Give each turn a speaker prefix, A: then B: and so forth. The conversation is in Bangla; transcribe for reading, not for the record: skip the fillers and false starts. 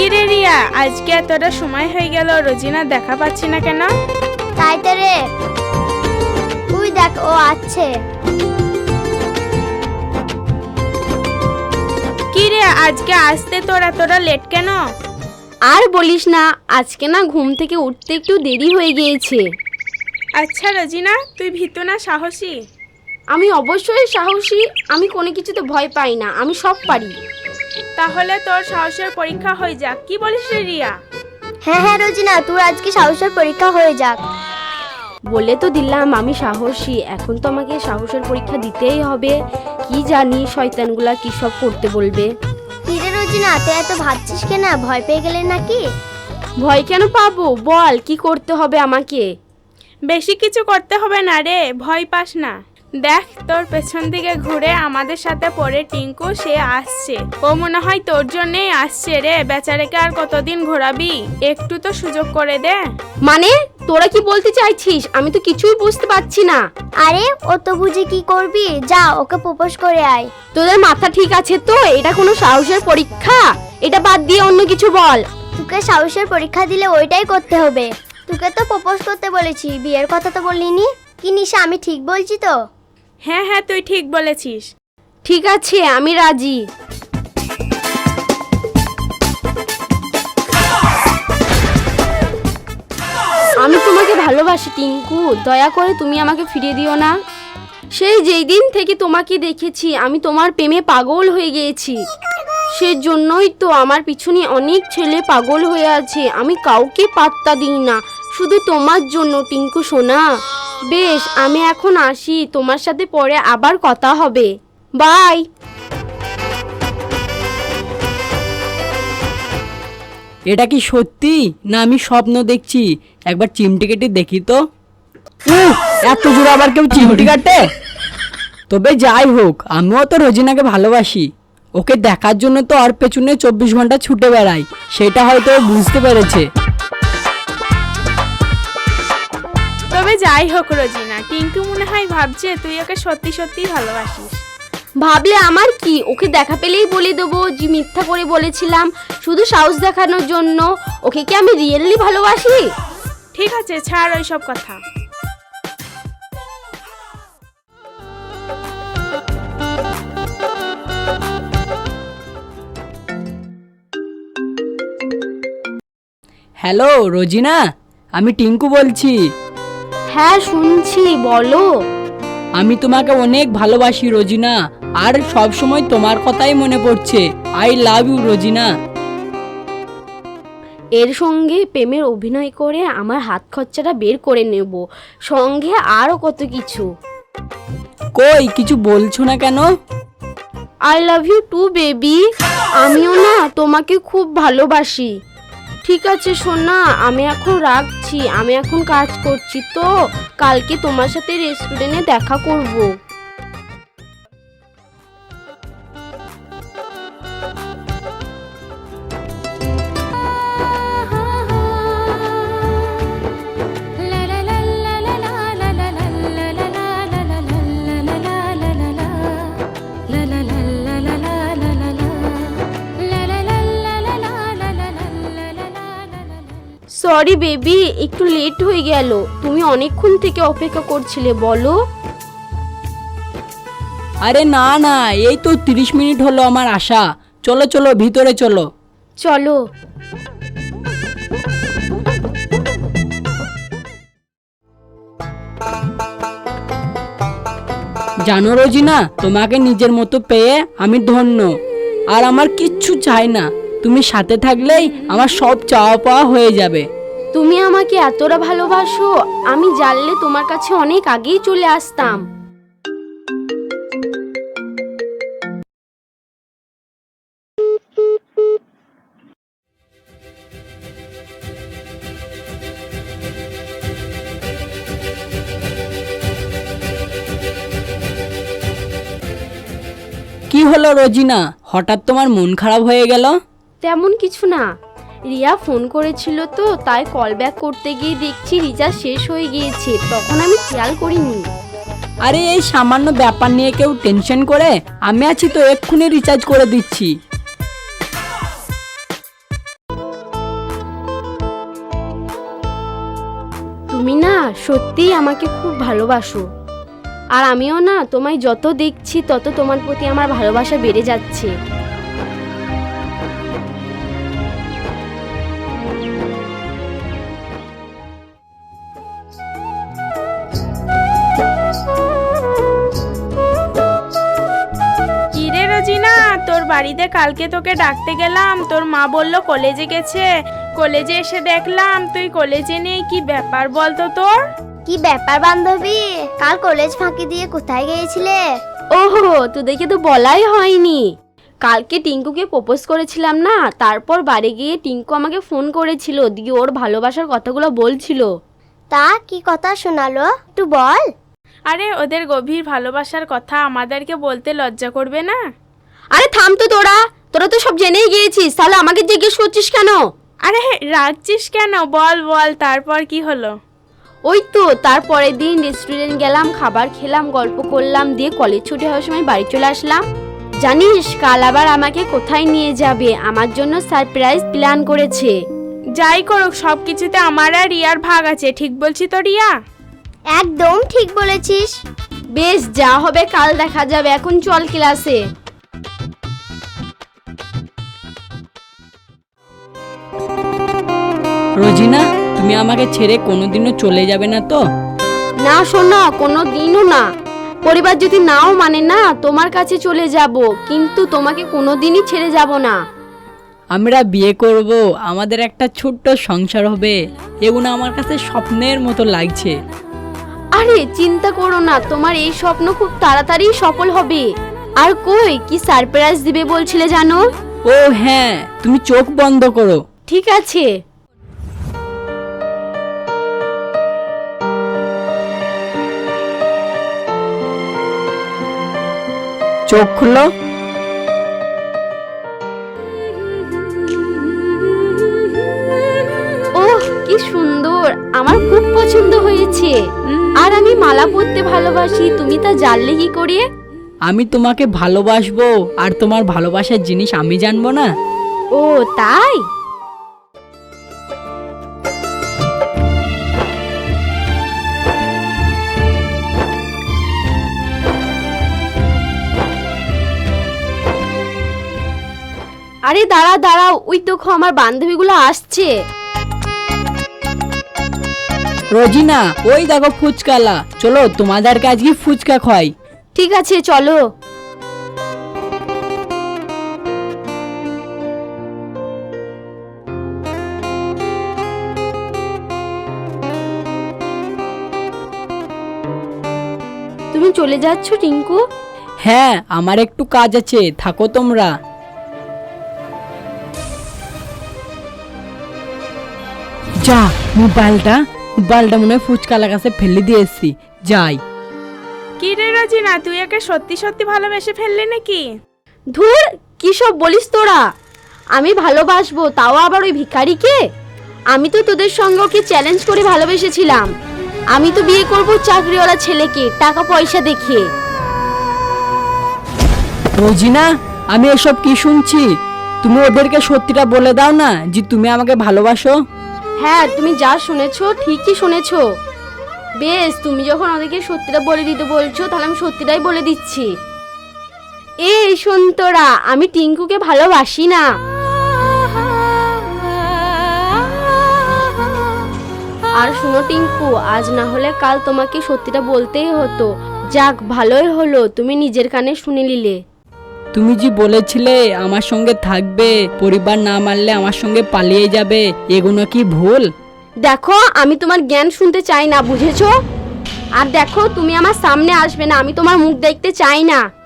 A: কি রে রিয়া, আজকে এতটা সময় হয়ে গেল, রোজিনা দেখা পাচ্ছি না কেন?
B: তাই তো রে, তুই দেখ ও আছে।
A: কি রে, আজকে আসতে তোর এতটা লেট কেন?
C: আর বলিস না, আজকে না ঘুম থেকে উঠতে একটু দেরি হয়ে গিয়েছে।
A: আচ্ছা রোজিনা, তুই ভীতু না সাহসী?
C: আমি অবশ্যই সাহসী, আমি কোনো কিছুতে ভয় পাই না, আমি সব পারি।
A: তাহলে তোর সাহসের পরীক্ষা হয়ে যাক, কি বলিস রে রিয়া?
B: হ্যাঁ হ্যাঁ রোজিনা, তোর আজকে সাহসের পরীক্ষা হয়ে যাক।
C: বলে তো দিলাম আমি সাহসী, এখন তো আমাকে সাহসের পরীক্ষা দিতেই হবে। কি জানি শয়তানগুলা কি সব করতে বলবে।
B: কি রে রোজিনা, তুই এত ভাবছিস কেন? ভয় পেয়ে গেলে নাকি?
C: ভয় কেন পাবো, বল কি করতে হবে আমাকে?
A: বেশি কিছু করতে হবে না রে, ভয় পাস না। দেখ তোর পেছন দিকে ঘুরে আমাদের সাথে পড়ে টিঙ্কু, সে আসছে। ও মনে হয় তোর জন্যই আসছে রে, বেচারাকে আর কতদিন ঘোরাবি, একটু তো সুযোগ করে দে।
C: মানে তোরা কি বলতে চাইছিস? আমি তো কিছুই বুঝতে পারছি না।
B: আরে ও তো বুঝে কি করবি, যা ওকে প্রপোজ করে আয়।
C: তোদের মাথা ঠিক আছে তো? এটা কোনো সাহসের পরীক্ষা? এটা বাদ দিয়ে অন্য কিছু বল।
B: তোকে সাহসের পরীক্ষা দিলে ওইটাই করতে হবে। তোকে তো প্রপোজ করতে বলেছি, বিয়ের কথা তো বলিনি। কি নিশা, আমি ঠিক বলছি তো?
A: হ্যাঁ হ্যাঁ, তুই ঠিক বলেছিস।
C: ঠিক আছে, আমি রাজি। আমি তোমাকে ভালোবাসি টিঙ্কু, দয়া করে তুমি আমাকে ফিরিয়ে দিও না। সেই যেই দিন থেকে তোমাকে দেখেছি আমি তোমার প্রেমে পাগল হয়ে গিয়েছি। সেজন্যই তো আমার পিছনে অনেক ছেলে পাগল হয়ে আছে, আমি কাউকে পাত্তা দিই না, শুধু তোমার জন্য টিঙ্কু সোনা। বেশ, আমি এখন আসি, তোমার সাথে পরে আবার কথা হবে। বাই।
D: এটা কি সত্যি না আমি স্বপ্ন দেখছি? একবার চিমটি কেটে দেখি তো। এত জোরে আবার কেউ চিমটি কাটে? তবে যাই হোক, আমিও তো রোজিনাকে ভালোবাসি। ওকে দেখার জন্য তো ওর পেছনে 24 ঘন্টা ছুটে বেড়াই, সেটা হয়তো ও বুঝতে পেরেছে।
A: তবে যাই হোক রোজিনা, টিঙ্কু মনে হয় ভাবছে তুই ওকে সত্যি সত্যি ভালোবাসিস।
C: ভাবলে আমার কি, ওকে দেখা পেলেই বলে দেবো যে মিথ্যা করে বলেছিলাম শুধু সাহস দেখানোর জন্য। ওকে কি আমি রিয়েলি ভালোবাসি?
A: ঠিক আছে, ছাড় ওইসব কথা।
D: হ্যালো রোজিনা, আমি টিঙ্কু বলছি।
C: হ্যাঁ শুনছি, বলো।
D: আমি তোমাকে অনেক ভালোবাসি রোজিনা, আর সব সময় তোমার কথাই মনে পড়ছে। I love you Rozina.
C: এর সঙ্গে প্রেমের অভিনয় করে আমার হাত খরচাটা বের করে নেব, সঙ্গে আরও কত কিছু।
D: কই কিছু বলছো না কেন?
C: I love you too baby, আমিও না তোমাকে খুব ভালোবাসি। ঠিক আছে সোনা, আমি এখন রাখছি, আমি এখন কাজ করছি, তো কালকে তোমার সাথে রেস্টুরেন্টে দেখা করব। সরি বেবি, একটু লেট হয়ে গেল। তুমি অনেকক্ষণ থেকে অপেক্ষা করছিলে, বলো।
D: আরে না না, এই তো 30 মিনিট হলো আমার আসা। চলো চলো ভিতরে চলো।
C: চলো।
D: জানো রোজিনা, তোমাকে নিজের মতো পেয়ে আমি ধন্য, আর আমার কিচ্ছু চাই না। তুমি সাথে থাকলেই আমার সব চাওয়া পাওয়া হয়ে যাবে।
C: তুমি আমাকে এতটা ভালোবাসো, আমি জানলে তোমার কাছে অনেক আগেই চলে আসতাম।
D: কি হলো রোজিনা, হঠাৎ তোমার মন খারাপ হয়ে গেল?
C: তেমন কিছু না, রিয়া ফোন করেছিল তো, তাই কল ব্যাক করতে গিয়ে দেখছি রিচার্জ শেষ হয়ে গিয়েছে, তখন আমি খেয়াল করিনি।
D: আরে এই সামান্য ব্যাপার নিয়ে কেউ টেনশন করে? আমি আছি তো, এক্ষুনি রিচার্জ করে দিচ্ছি।
C: সত্যিই আমাকে খুব ভালোবাসো। আর আমিও না তোমায় যত দেখছি তত তোমার প্রতি আমার ভালোবাসা বেড়ে যাচ্ছে।
A: কিরে রোজিনা, তোর বাড়িতে কালকে তোকে ডাকতে গেলাম, তোর মা বলল কলেজে গেছে। কলেজে এসে দেখলাম তুই কলেজে নেই, কি ব্যাপার বলতো তোর?
B: কি ব্যাপার বান্ধবী, কাল কলেজ ফাঁকি দিয়ে কোথায় গিয়েছিলে?
C: ওহো, তোদেরকে তো বলাই হয়নি। কালকে টিঙ্কুকে প্রপোজ করেছিলাম না, তারপর বাড়ি গিয়ে টিঙ্কু আমাকে ফোন করেছিল, দিয়ে ওর ভালোবাসার কথাগুলো বলছিল।
B: তা কি কথা শোনালো, একটু বল।
A: আরে ওদের গভীর ভালোবাসার কথা আমাদেরকে বলতে লজ্জা করবে না?
C: আরে থাম তো তোরা তো সব জেনেই গিয়েছিস, তাহলে আমাকে জিজ্ঞেস করছিস কেন?
A: আরে রাখছিস কেন, বল বল, তারপর কি হলো?
C: ওই তো তারপরের দিন রেস্টুরেন্ট গেলাম, খাবার খেলাম, গল্প করলাম, দিয়ে কলেজ ছুটি হওয়ার সময় বাড়ি চলে আসলাম। জানিস কাল আবার আমাকে কোথায় নিয়ে যাবে, আমার জন্য সারপ্রাইজ প্ল্যান করেছে।
A: যাই করুক, সব কিছুতে আমার আর রিয়ার ভাগ আছে, ঠিক বলছি তো রিয়া?
B: একদম ঠিক বলেছিস।
C: বেশ, যা হবে কাল দেখা যাবে, এখন চল ক্লাসে।
D: রোজিনা, তুমি আমাকে ছেড়ে কোনোদিনও চলে যাবে না তো?
C: না শোনো, কোনো দিনও না। পরিবার যদি নাও মানে না, তোমার কাছে চলে যাব, কিন্তু তোমাকে কোনোদিনই ছেড়ে যাব না।
D: আমরা বিয়ে করব, আমাদের একটা ছোট্ট সংসার হবে, এগুলো আমার কাছে স্বপ্নের মতো লাগছে।
C: আরে চিন্তা করো না, তোমার এই স্বপ্ন খুব তাড়াতাড়ি সফল হবে। আর কই, কি সারপ্রাইজ দিবে বলছিলে জানো?
D: ও হ্যাঁ, তুমি চোখ বন্ধ করো।
C: ঠিক আছে।
D: চোখ খুলো।
C: ওহ কি সুন্দর, আমার খুব পছন্দ হয়েছে। আর আমি মালা পরতে ভালোবাসি, তুমি তা জানলে কি করে?
D: আমি তোমাকে ভালোবাসবো, আর তোমার ভালোবাসার জিনিস আমি জানবো না?
C: ও তাই? আরে দাঁড়া দাঁড়াও, ওই দেখো আমার বান্ধবীগুলো আসছে।
D: রোজিনা, ওই দেখো ফুচকালা, চলো তোমাদেরকে আজকে ফুচকা খাই।
C: ঠিক আছে চলো। তুমি চলে যাচ্ছ টিঙ্কু?
D: হ্যাঁ, আমার একটু কাজ আছে, থাকো তোমরা। যা, মোবাইলটা মনে হয় ফুচকালার কাছে ফেলে দিয়ে এসছি, যাই।
A: কি রে রোজিনা, তুই একে সত্যি সত্যি ভালোবেসে ফেললি নাকি?
C: ধুর, কি সব বলিস তোরা? আমি ভালোবাসবো, তাও আবার ওই ভিখারিকে? আমি তো তোদের সঙ্গে ওকে চ্যালেঞ্জ করে ভালোবেসেছিলাম। আমি তো বিয়ে করব চাকরিওয়ালা ছেলেকে, টাকা পয়সা দেখে।
D: রোজিনা, আমি এসব কি শুনছি? তুমি ওদেরকে সত্যিটা বলে দাও না যে তুমি আমাকে ভালোবাসো।
C: হ্যাঁ, তুমি যা শুনেছো ঠিকই শুনেছো। বেশ, তুমি যখন ওদেরকে সত্যিটা বলে দিতে বলছো, তাহলে আমি সত্যিটাই বলে দিচ্ছি। এই শোন তোরা, আমি টিঙ্কুকে ভালোবাসি না। আর শোনো টিঙ্কু, আজ না হলে কাল তোমাকে সত্যিটা বলতেই হতো। যাক, ভালোই হলো তুমি নিজের কানে শুনে নিলে।
D: তুমি যে বলেছিলে আমার সঙ্গে থাকবে, পরিবার না মানলে আমার সঙ্গে পালিয়ে যাবে, এগুলো কি ভুল?
C: দেখো, আমি তোমার জ্ঞান শুনতে চাই না, বুঝেছো? আর দেখো, তুমি আমার সামনে আসবে না, আমি তোমার মুখ দেখতে চাই না।